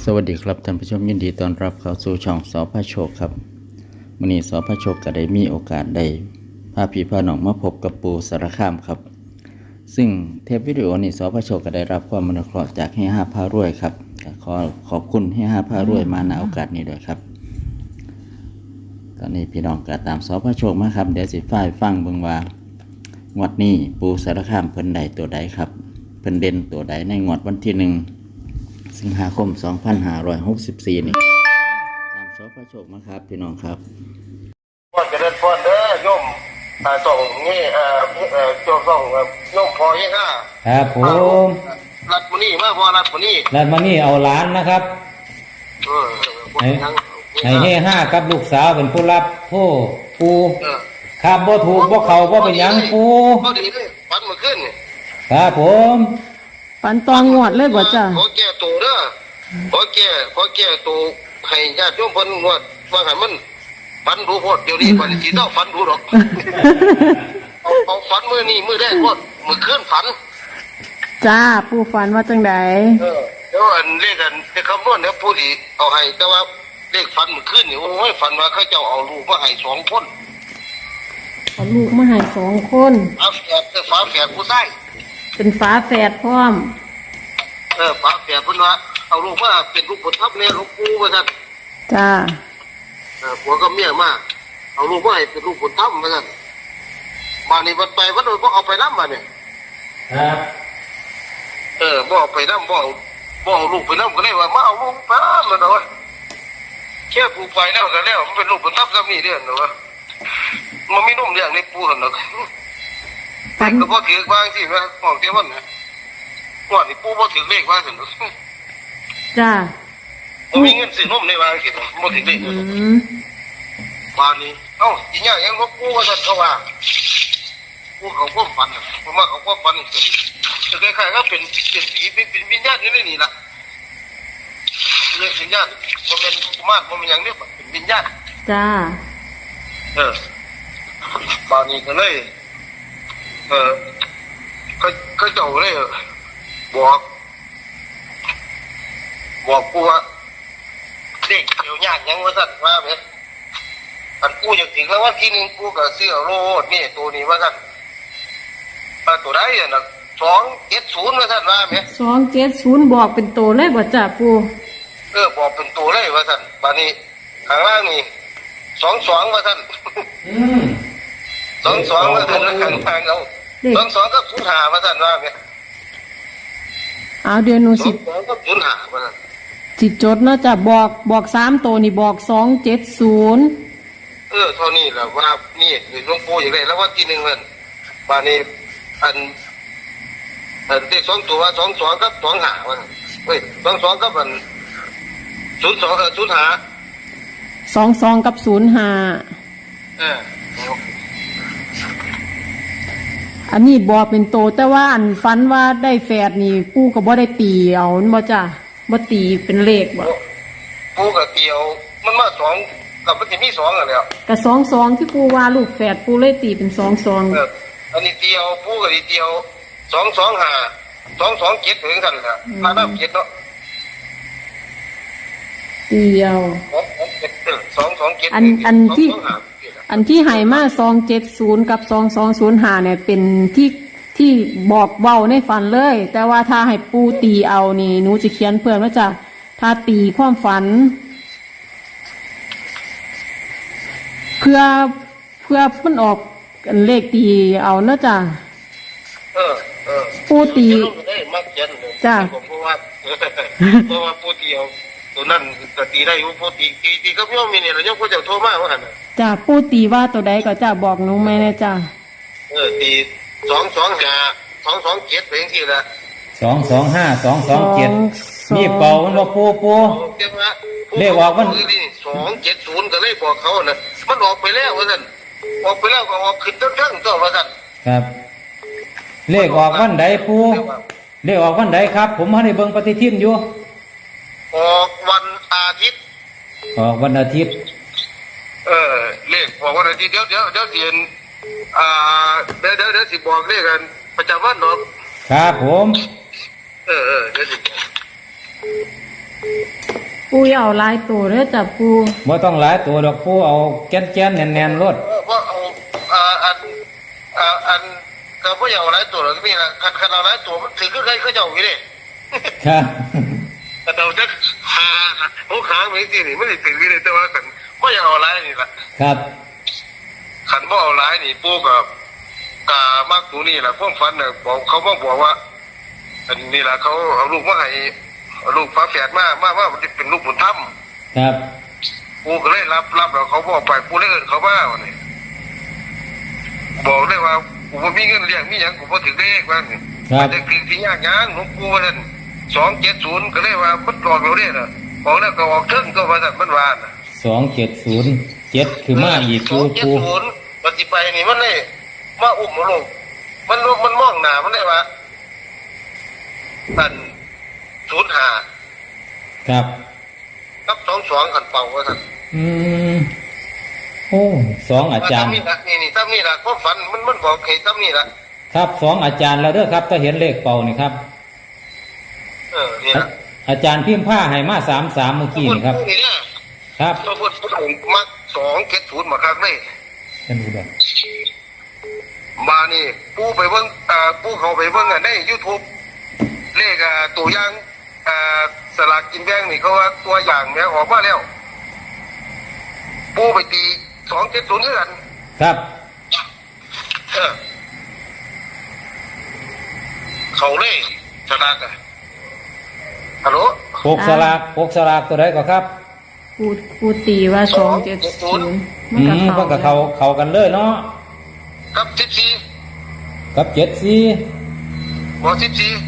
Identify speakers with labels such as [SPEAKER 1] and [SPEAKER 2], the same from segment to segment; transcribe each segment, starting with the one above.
[SPEAKER 1] สวัสดีครับท่านผู้ชมยินดีต้อนรับเข้าสู่ช่องสพโชคครับวันนี้สพโชคก็ได้มีโอกาสได้พาพี่พาน้องมาพบกับปู่สารคามครับซึ่งเทปวิดีโอนี้สพโชคก็ได้รับความอนุเคราะห์จากเฮียห้าพารวยครับขอขอบคุณเฮียห้าพารวยมาณโอกาสนี้ด้วยครับตอนนี้พี่น้องก็ตามสพโชคมาครับเดี๋ยวสิฝ่ายฟังเบิ่งว่างวดนี้ปู่สารคามเพิ่นใดตัวใดครับเพิ่นเด่นตัวใดในงวดวันที่1 สิงหาคม 2564 นี่ตามสพโชคมาครับพี่น้องครับ
[SPEAKER 2] พ่อจะเดินพ่อเด้อโยมส่งนี่โจส่งโยมพอยี่ห้า
[SPEAKER 3] ครับผม
[SPEAKER 2] รัดมานี่มาพอรัดมานี่
[SPEAKER 3] แล้วมานี่เอาล้านนะครับให้เฮห้ากับลูกสาวเป็นผู้รับผู้ปูครับบ่ถูกบ่เขาบ่เป็นยังปู
[SPEAKER 2] พอดีเลยฟันมาขึ้น
[SPEAKER 3] ครับผม
[SPEAKER 4] ฝันตองงวดเลยบ่จ้ะ
[SPEAKER 2] ขอแก้ตัวเด้อขอแก้ตัวให้ญาติโยมเพิ่นงวดว่าให้มันฟันรู้โพดเดี๋ยวนี้ก่อนสิเจ้าฟันรู้หรอกเอาฟันมือนี่มือแรกโพดมือขึ้นฟัน
[SPEAKER 4] จ้าปู่ฝันว่าจังได
[SPEAKER 2] แล้วอันเลขคำนวณเนี่ยผู้ที่เอาให้แต่ว่าเลขฟันมือขึ้นนี่โอ้ยฟันว่าเขาเจ้าเอาลูกมาให้2 คน
[SPEAKER 4] เอาลูกมาให้2 คน
[SPEAKER 2] ฝาแฝดผู้ชาย
[SPEAKER 4] เป็นฝาแฝดพร้อม
[SPEAKER 2] ฝาแฝดเพิ่นว่าเอาลูกมาเป็นลูกบุญธรรมเนี่ยหลวงปู่ว่าซั่น
[SPEAKER 4] จ้า
[SPEAKER 2] ผัวกับเมียมาเอาลูกมาให้เป็นลูกบุญธรรมว่าซั่นมานี่วันไปวันโดนบ่เอาไปนำมาเนี่ย
[SPEAKER 3] ครับ
[SPEAKER 2] บ่เอาไปนำบ่เอาลูกไปนำก็เลยว่ามาเอาลูกไปมันเนาะแค่ปู่ไปแล้วก็แล้วมันเป็นลูกบุญธรรมซะนี่เด้อเนาะมันมีนมเลี้ยงในปู่หั่นเนาะแต่ก็บ่ถือว่าจังซี่ว่าของเจ้ามันนะงวดนี้ปู่บ่ถือเลขว่าซั่น
[SPEAKER 4] จ้า
[SPEAKER 2] บ่มีเงินซื้อนมในว่าจังซี่บ่ถือเลขบ้านนี้อีหยังยังบ่ปู่ว่าซั่นเขาว่าปู่เขาความฝันผมว่าเขาความฝันคือคล้ายๆก็เป็นผีเป็นวิญญาณอยู่ในนี่ล่ะวิญญาณบ่แม่นกุมารบ่แม่นหยังนี่เป็นวิญญาณ
[SPEAKER 4] จ้า
[SPEAKER 2] บ้านนี้ก็เลยก็เจ้าเลยบอกกูว่าเด็กเดี๋ยวยากยังว่าสั่นว่าไหมอันกูอยากถึงแล้ววันที่1กูก็ซื้อโลดนี่ตัวนี้ว่าสั่นตัวได้น่ะ270ว่าสั่นว่าไหม
[SPEAKER 4] 270บอกเป็นตัวเลยบ่จ้าปู่
[SPEAKER 2] บอกเป็นตัวเลยว่าสั่นบัดนี้ข้างล่างนี่22ว่าสั่น22ว่าสั่นแล้วข้างล่างเอา22กับ05ว่าสั่นว่าไหม
[SPEAKER 4] เอาเดี๋ยวหนูสิ
[SPEAKER 2] 22กับ05ว่าสั่น
[SPEAKER 4] สิจดเนาะจ้ะบอก3ตัวนี่บอก270
[SPEAKER 2] เท่านี้แหละว่านี่หลวงปู่อย่างไรแล้วว่าที่1มันบัดนี้อันเลข2ตัว22กับ25ว่าเฮ้ย22กับอัน02
[SPEAKER 4] 22กับ05อันนี้บอกเป็นโตแต่ว่าอันฝันว่าได้แฝดนี่ปู่ก็บ่ได้ตีเอาบ่จ้ะบ่ตีเป็นเลขบ่
[SPEAKER 2] ปู่ก็เตียวมันมา2กับมันสิมี2อ่ะแล้ว
[SPEAKER 4] ก็22ที่ปู่ว่าลูกแฝดปู่เลยตีเป็น22
[SPEAKER 2] อันนี้เตียวปู่ก็เตียว225 227ถึงกันล่ะมานำ7เนาะ
[SPEAKER 4] เตียว
[SPEAKER 2] 227
[SPEAKER 4] อันที่ให้มา270กับ2205เนี่ยเป็นที่บอกเว้าในฝันเลยแต่ว่าถ้าให้ปู่ตีเอานี่หนูจะเขียนเพิ่มว่าจ้ะถ้าตีความฝันเพื่อมันออกเลขตีเอาเนาะจ้ะปู่ตีจ้ะ
[SPEAKER 2] เพราะว่าปู่ตีเอาตัวนั้นก็ตีได้อยู่ปู่ตีก็โยมมีเนี่ยแล้วโยมก็จะโทรมาว่าหั่น
[SPEAKER 4] จ้ะปู่ตีว่าตัวใดก็จะบอกหนูแม่นะจ้ะ
[SPEAKER 2] ตี225 227ไปจังซี่ล่ะ
[SPEAKER 3] 225 227มีเป่ามันบ่ปูเลขออกมัน
[SPEAKER 2] 270ก็เลยบอกเขาน่ะมันออกไปแล้วว่าซั่นออกไปแล้วก็ออกขึ้นเทิงๆตัวว่าซั่น
[SPEAKER 3] ครับเลขออกวันใดปูเลขออกวันใดครับผมบ่ได้เบิ่งปฏิทินอยู่
[SPEAKER 2] ออกวันอาทิตย์เลขออกวันอาทิตย์เดี๋ยวสิเห็นเดี๋ยวสิบอกเลขกันประจำวันเนาะ
[SPEAKER 3] ครับผม
[SPEAKER 2] เดี๋ยวสิ
[SPEAKER 4] ปูอย่าเอาหลายตัวเด้อจ้ะปู
[SPEAKER 3] บ่ต้องหลายตัวดอกปูเอาแก่นๆแน่นๆรถ
[SPEAKER 2] ว่าเอาอันก็บ่อยากเอาหลายตัวหรอกนี่ล่ะคันเอาหลายตัวมันถือคือใครเขาเจ้าอยู่นี่
[SPEAKER 3] ครับ
[SPEAKER 2] แต่เราจะหาโอ้หาไม่สินี่มันสิถืออยู่เลยแต่ว่าคันบ่อยากเอาหลายนี่ล่ะ
[SPEAKER 3] ครับ
[SPEAKER 2] คันบ่เอาหลายนี่ปู่ก็มักตัวนี้ล่ะความฝันน่ะบอกเขามาบอกว่าอันนี้ล่ะเขาเอาลูกมาให้เอาลูกฝาแฝดมาเป็นลูกบุญธรรม
[SPEAKER 3] ครับ
[SPEAKER 2] ปู่ก็เลยรับแล้วเขาบอกไปปู่เลยเอิ้นเขามาว่านี่บอกเลยว่ากูบ่มีเงินเลี้ยงมีหยังกูบ่ถึงเลขว่านี่
[SPEAKER 3] ครับ
[SPEAKER 2] แต่คือที่ยากงานหลวงปู่ว่าซั่น270ก็เลยว่ามันออกแล้วเด้น่ะออกแล้วก็ออกเทิงก็ว่าซั่นมันว่าน่ะ
[SPEAKER 3] 270 7คือมาอีกปู
[SPEAKER 2] 270ปฏิไปนี่มันเลยมาอุ้มมาลงมันมองหน้ามันเลยว่าอัน05
[SPEAKER 3] ครับ
[SPEAKER 2] กับ22คันเป่าว่าซั่น
[SPEAKER 3] อืมโอ้สองอาจารย์
[SPEAKER 2] นี่ซ้ำนี่ล่ะความฝันมันบอกให้ซ้ำนี่ล่ะ
[SPEAKER 3] ครับสองอาจารย์แล้วเด้อครับถ้าเห็นเลขเป่านี่ครับ
[SPEAKER 2] นี่ล่ะ
[SPEAKER 3] อาจารย์พิมพ์ผ้าให้มา33เมื่อกี้นี่ครับ
[SPEAKER 2] นี่เนี่ย
[SPEAKER 3] ครับ
[SPEAKER 2] พระพุทธองค์มัก270มาคักเลย
[SPEAKER 3] ท่านผู้ชม
[SPEAKER 2] มานี่ปูไปเบิ่งปูเขาไปเบิ่งใน YouTube เลขตัวอย่างสลากกินแบ่งนี่เขาว่าตัวอย่างแม่ออกมาแล้วปูไปตี270คือกัน
[SPEAKER 3] ครับ
[SPEAKER 2] เขาเลยสลากฮัลโหล
[SPEAKER 3] ปกสลากตัวใดก็ครับ
[SPEAKER 4] ปูตีว่า270มันก็
[SPEAKER 3] เพิ่นก็เข้ากันเลยเนาะ
[SPEAKER 2] กับ14
[SPEAKER 3] กับ74
[SPEAKER 2] บ่14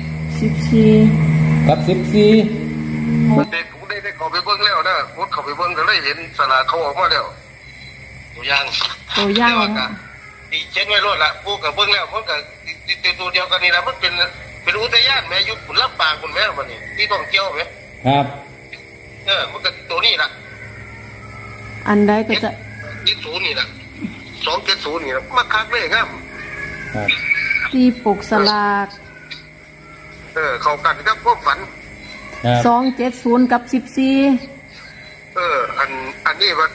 [SPEAKER 4] 14
[SPEAKER 3] กับ14
[SPEAKER 2] เด็กผมได้เขาไปเบิ่งแล้วนะผมเขาไปเบิ่งก็เลยเห็นสลากเขาออกมาแล้วตัวอย่าง
[SPEAKER 4] ตัวอย่าง
[SPEAKER 2] ดีเช่นไว้รถละปูกับเบิ้งแล้วมันก็ตัวเดียวกันนี่ละมันเป็นอุทยานแม่ยุคขุนลำปางคุณแม่มันนี่ที่ท่องเที่ยวไหม
[SPEAKER 3] ครับ
[SPEAKER 2] มันก็ตัวนี้ละ
[SPEAKER 4] อันใดก็จะ
[SPEAKER 2] 70นี่ละ270นี่ละมาคักเลยครับ
[SPEAKER 3] ครับ
[SPEAKER 4] ตีปกสลาก
[SPEAKER 2] เข้ากันกับพวกฝัน
[SPEAKER 3] ครับ
[SPEAKER 4] 270กับ14
[SPEAKER 2] อันนี้มัน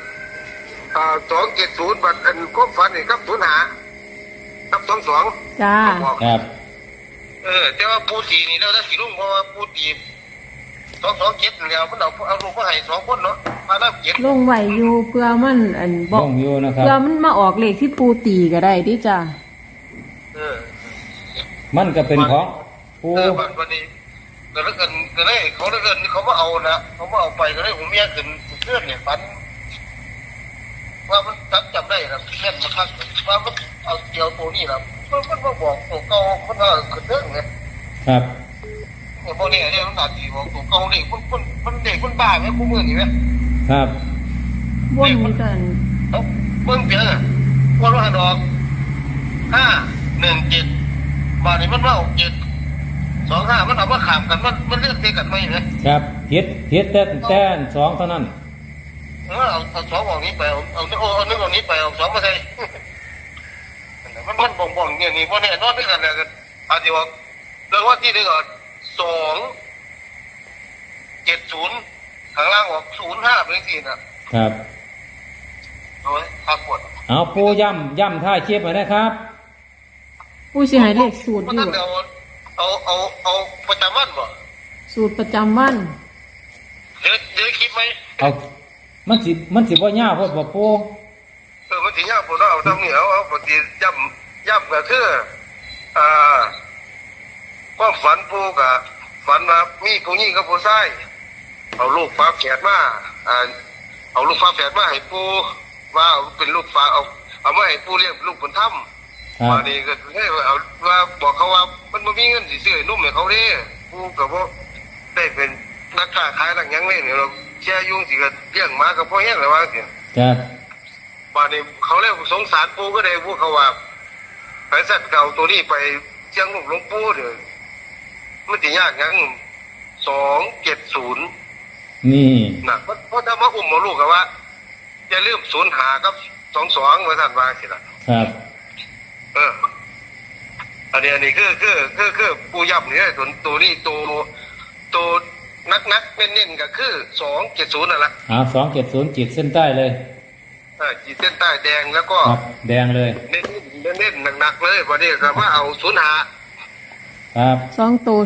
[SPEAKER 2] 270บัดอันความฝันนี่กับ05กับ22
[SPEAKER 4] จ้า
[SPEAKER 3] ครับ
[SPEAKER 2] แต่ว่าปูตีนี่แล้วถ้าสิลุงเพราะว่าปูตี227แล้วมันเอาลูกมาให้2คนเนาะมานับ7
[SPEAKER 4] ลงไหวอยู่เพื่อมันอันบอก
[SPEAKER 3] ลงอยู่นะครับ
[SPEAKER 4] เพื่อมันมาออกเลขที่ปูตีก็ได้ดิจ้า
[SPEAKER 3] มันก็เป็นของปู
[SPEAKER 2] วันนี้ก็แล้วกันก็เลยเขาแล้วกันเขามาเอานะเขามาเอาไปก็เลยผมเมียขึ้นเพื่อนเนี่ยฝันว่ามันจำได้นะแม่นมาคักว่ามันเอาเกี่ยวตัวนี้นะมันมาบอกตัวเก่ามันว่าขึ้นเรื่องเนี่ย
[SPEAKER 3] ครับ
[SPEAKER 2] พวกนี้เนี่ยมันอาจจะบอกตัวเก่าเด็กมันเด็กมันบ้าไหมพวกมึงนี่ไหม
[SPEAKER 3] ครับ
[SPEAKER 4] ว่นมีกัน
[SPEAKER 2] เขาเบิ่งเจอว่าเราหันออก517มาเนี่ยมันว่า725มันเอามาขามกันมันเลือกเตะกันไหมไหม
[SPEAKER 3] ครับเฮ็ดแต่สองเท่านั้น
[SPEAKER 2] เอาสองออกนี้ไปเอานึกออกนี้ไปเอาสองมาใส่มันบ่งเนี่ยนี่เพราะเนี่ยนอนด้วยกันเลยกันอาจจะว่าเรื่องว่าที่ได้ก่อน270ข้างล่างออก05เป็นสี่นะครับ โอ้ยขาปวด
[SPEAKER 3] เอาปูย่ำท่าเชียบมาได้ครับ
[SPEAKER 4] ผู้สิให้เลขสูตร
[SPEAKER 2] มัน
[SPEAKER 4] อยู่
[SPEAKER 2] ตั้งแต่เอาประจำวันบ่
[SPEAKER 4] สูตรประจำวัน
[SPEAKER 2] เดี๋ยวคิดไหม
[SPEAKER 3] เอามันสิบ่ยาวเพราะบ่ปู
[SPEAKER 2] มันถึงยากปวดเอาทำนี่เอาปกติย่ำก็คือความฝันปูกับฝันว่ามีผู้หญิงกับผู้ชายเอาลูกฟ้าแฝดมาเอาลูกฟ้าแฝดมาให้ปูว่าเอาเป็นลูกฟ้าเอามาให้ปูเลี้ยงลูกบุญธรรม
[SPEAKER 3] ครับ
[SPEAKER 2] มานี่ก็ให้เอาว่าบอกเขาว่ามันไม่มีเงินสิซื้อนุ่มให้เขาเด้ปูกับว่าได้เป็นนักค้าขายหลังยังเล่นเราแช่ยุ่งสิก็เลี้ยงหมากับพ่อแห้งเลยว่าสิ
[SPEAKER 3] ครับ
[SPEAKER 2] มานี่เขาเรียกสงสารปูก็ได้พูดเขาว่าไปสัตว์เก่าตัวนี้ไปเชียงลูกหลวงปู่เด้อมันสิยากยัง270
[SPEAKER 3] นี่
[SPEAKER 2] นะเพราะถ้ามาอุ้มมาลูกกับว่าอย่าลืม05กับ22ว่าท่านว่าสิล่ะ
[SPEAKER 3] ครับ
[SPEAKER 2] อันนี้คือปูยับนี่ตัวนี้ตัวนักเน้นๆก็คือ270นั่นแหละ
[SPEAKER 3] 270จิตเส้นใต้เลย
[SPEAKER 2] ขีดเส้นใต้แดงแล้วก็
[SPEAKER 3] ครับแดงเลย
[SPEAKER 2] เน้นหนักๆเลยวันนี้ก็มาเอา05
[SPEAKER 3] ครับ
[SPEAKER 4] 2ตัว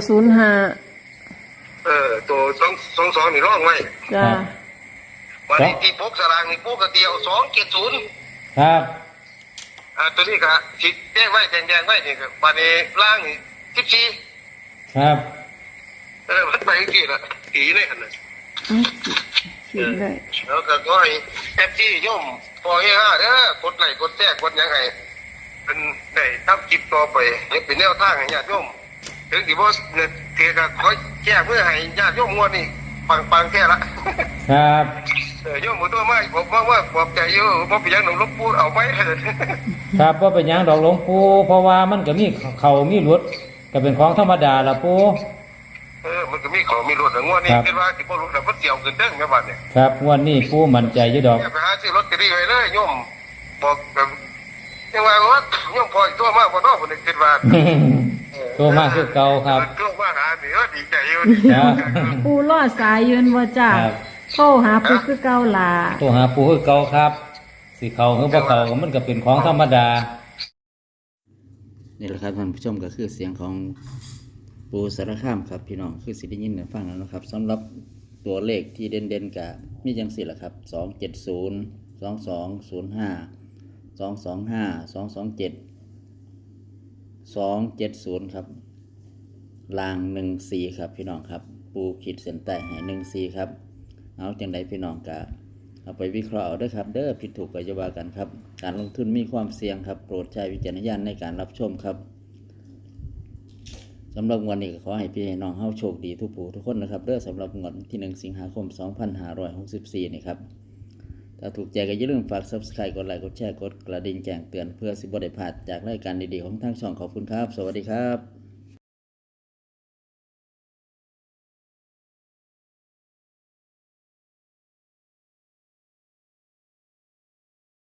[SPEAKER 4] 05
[SPEAKER 2] ตัว22นี่ร่องไว้
[SPEAKER 4] จ้า
[SPEAKER 2] วันนี้ที่พกสลากนี่พกกระเดียว270
[SPEAKER 3] ครับ
[SPEAKER 2] ตัวนี้ก็ขีดแดงไว้แดงไว้นี่ก็วันนี้ล่างนี่14
[SPEAKER 3] ครับ
[SPEAKER 2] มันไปกี่ละกี่เลยกันนะ
[SPEAKER 4] ขีดได้
[SPEAKER 2] แล้วก็ขอให้แอปที่ย่อมพอให้เด้อกดไลค์กดแชร์กดยังไงเป็นได้ทำคลิปต่อไปให้เป็นแนวทางให้ญาติโยมถึงที่บ่เนี่ยเทก็ขอแจ้งเพื่อให้ญาติโยมงวดนี้ปังแค่ละ
[SPEAKER 3] ครับ
[SPEAKER 2] โยมหมดตัวมาผมว่าบอกใจอยู่บ่เป็นหยังหนุ่มลบปูเอาไว้
[SPEAKER 3] ครับว่าเป็นหยังดอกหลวงปู่เพราะว่ามันก็มีเขามีรถก็เป็นของธรรมดาละปู่
[SPEAKER 2] มันก็มีของมีรถงวดนี้คิดว่าสิบ่รู้แล้วมันเสี่ยวขึ้นเด้งแม่บัดเนี่ย
[SPEAKER 3] ครับงวันนี้ปู่มั่นใจอยู่ดอก
[SPEAKER 2] ไปหาซื้อลอตเตอรี่ไว้เลยโยมบอกแบบยังว่าโยมพออีกตัวมากบ่เนาะผมคิดว่า
[SPEAKER 3] ตัวมากคือเก่าครับ
[SPEAKER 2] ตัวมาหานี่ดีใจอยู่
[SPEAKER 3] ครับ
[SPEAKER 4] ปูรอดสายยืนว่าจ้า
[SPEAKER 3] ครับ
[SPEAKER 4] โทรหาปูคือเก่าล่ะ
[SPEAKER 3] ตัวหาปู่คือเก่าครับสิเขาคือบ่เขาก็มันก็เป็นของธรรมดา
[SPEAKER 1] นี่แหละครับท่านผู้ชมก็คือเสียงของปูสารคามครับพี่น้องคือสิได้ยินได้ฟังแล้วนะครับสำหรับตัวเลขที่เด่นๆกับมีจังสี่ละครับ270 2205 225 227 270ครับลาง14ครับพี่น้องครับปูขีดเส้นใต้ให้14ครับเอาจังไดพี่น้องกะเอาไปวิเคราะห์เอาด้วยครับเด้อผิดถูกก็จะว่ากันครับการลงทุนมีความเสี่ยงครับโปรดใช้วิจารณญาณในการรับชมครับสำหรับวันนี้ก็ขอให้พี่น้องเฮาโชคดีทุกผู้ทุกคนนะครับเด้อสำหรับงวดที่1สิงหาคม2564นี่ครับถ้าถูกใจก็อย่าลืมฝาก Subscribe กดไลค์กดแชร์กดกระดิ่งแจ้งเตือนเพื่อสิบ่ได้พลาดจากรายการดีๆของทางช่องขอบคุณครับสวัสดีครับ